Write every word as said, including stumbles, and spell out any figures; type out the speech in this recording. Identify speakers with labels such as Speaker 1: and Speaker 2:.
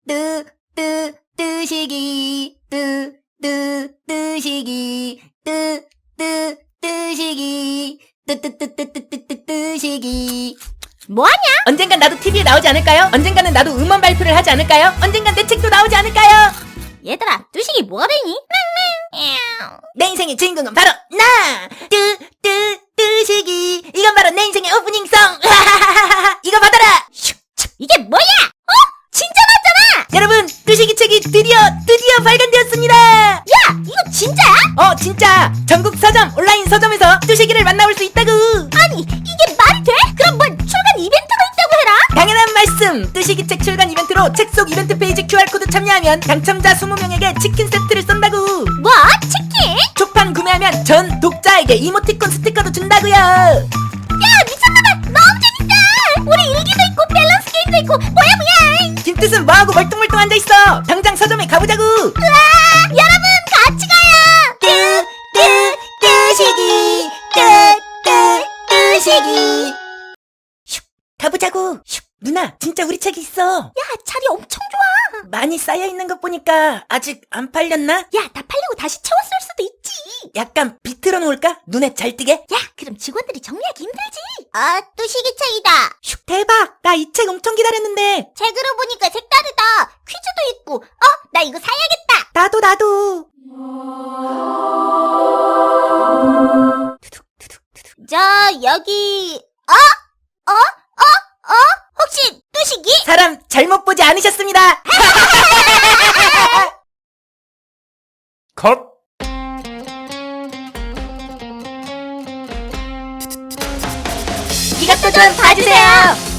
Speaker 1: 뜨, 뜨, 뜨시기, 뜨, 뜨, 뜨시기, 뜨, 뜨, 뜨시기, 뜨, 뜨, 뜨, 뜨, 뜨, 뜨, 뜨, 뜨시기.
Speaker 2: 뭐하냐?
Speaker 3: 언젠간 나도 티비에 나오지 않을까요? 언젠가는 나도 음원 발표를 하지 않을까요? 언젠간 내 책도 나오지 않을까요?
Speaker 2: 얘들아, 뚜식이 뭐가 되니?
Speaker 3: 내 인생의 주인공은 바로 나! 뜨, 뜨, 뜨시기. 이건 바로 내 인생의 오프닝송. 이거 받아라.
Speaker 2: 이게 뭐야? 어? 진짜 맞잖아!
Speaker 3: 여러분, 뜨시기 책이 드디어 드디어 발간되었습니다.
Speaker 2: 야, 이거 진짜야?
Speaker 3: 어, 진짜 전국 서점 온라인 서점에서 뜨시기를 만나볼 수 있다구.
Speaker 2: 아니, 이게 말이 돼? 그럼 뭘 출간 이벤트가 있다고 해라?
Speaker 3: 당연한 말씀. 뜨시기 책 출간 이벤트로 책 속 이벤트 페이지 큐알코드 참여하면 당첨자 이십 명에게 치킨 세트를 쏜다구.
Speaker 2: 뭐? 치킨?
Speaker 3: 초판 구매하면 전 독자에게 이모티콘 스티커도 준다고요.
Speaker 2: 야, 미쳤나봐! 너무 재밌다! 우리 일기도 있고 밸런스 게임도 있고 뭐야 뭐야!
Speaker 3: 김뜻은 뭐하고 멀뚱멀뚱 앉아있어. 당장 서점에 가보자구.
Speaker 2: 우와! 여러분 같이 가요!
Speaker 3: 뜨, 뜨, 뜨시기. 뜨, 뜨, 뜨시기. 슉, 가보자구. 슉, 누나, 진짜 우리 책이 있어.
Speaker 2: 야, 자리 엄청 좋아!
Speaker 3: 많이 쌓여있는 것 보니까 아직 안 팔렸나?
Speaker 2: 야, 다 팔리고 다시 채웠을 수도 있지!
Speaker 3: 약간 비틀어 놓을까? 눈에 잘 띄게?
Speaker 2: 야, 그럼 직원들이 정리하기 힘들지! 아, 뚜식이 책이다!
Speaker 3: 슉, 대박! 나 이 책 엄청 기다렸는데.
Speaker 2: 책으로 보니까 색다르다! 퀴즈도 있고, 어? 나 이거 사야겠다!
Speaker 3: 나도 나도.
Speaker 2: 저, 여기, 어? 어? 어? 어? 혹시 뚜식이?
Speaker 3: 사람 잘못 보지 않으셨습니다.
Speaker 4: 컷!
Speaker 3: 이것도 좀 봐주세요.